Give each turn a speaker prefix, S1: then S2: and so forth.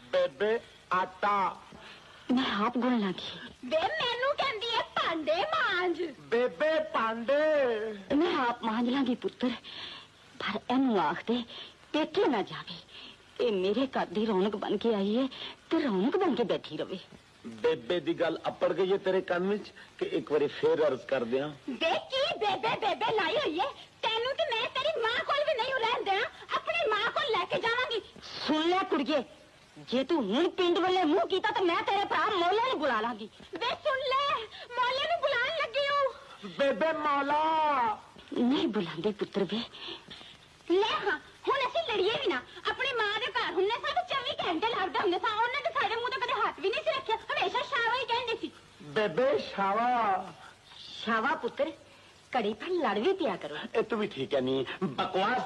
S1: बेबे आटा
S2: मैं आप गुण लगी
S3: वे मैनू कहंदी है भांडे मांज
S1: बेबे पांडे
S2: मैं आप मांज लांगी पुत्र पर एनू आख दे पेके ना जावे ये मेरे घर दी रौनक बन के आई है ते रौनक बन के बैठी रवे
S1: बेबे दी गल अपड़ गई है तेरे कान विच कि एक बारी फिर अर्ज कर दिया
S3: देखी बेबे बेबे लाई हुई है तेनू ते मैं तेरी मां कोल भी नहीं रहन देना अपनी मां को लेके जावांगी
S2: सुन ले कुड़िए जे तू हुण पिंड वाले मुंह कीता तो मैं तेरे भरा मौले नु बुला लांगी
S3: वे सुन ले मौले नु बुलान लगी हूं
S1: बेबे मौला
S2: नहीं बुलांदे पुत्र वे
S3: ले हां हुण असि लड़िए भी ना अपनी मां दे घर हुन्ने सा 24 घंटे लगदे हुंदे सा उन्हां दे साडे मुंह ते कदे हाथ भी नहीं सी रखिया हमेशा शावा ही कहंदे सी
S1: बेबे शावा
S2: शावा पुत्र कड़ी पर लड़ भी पिया करो
S1: ए तू भी ठीक है नहीं बकवास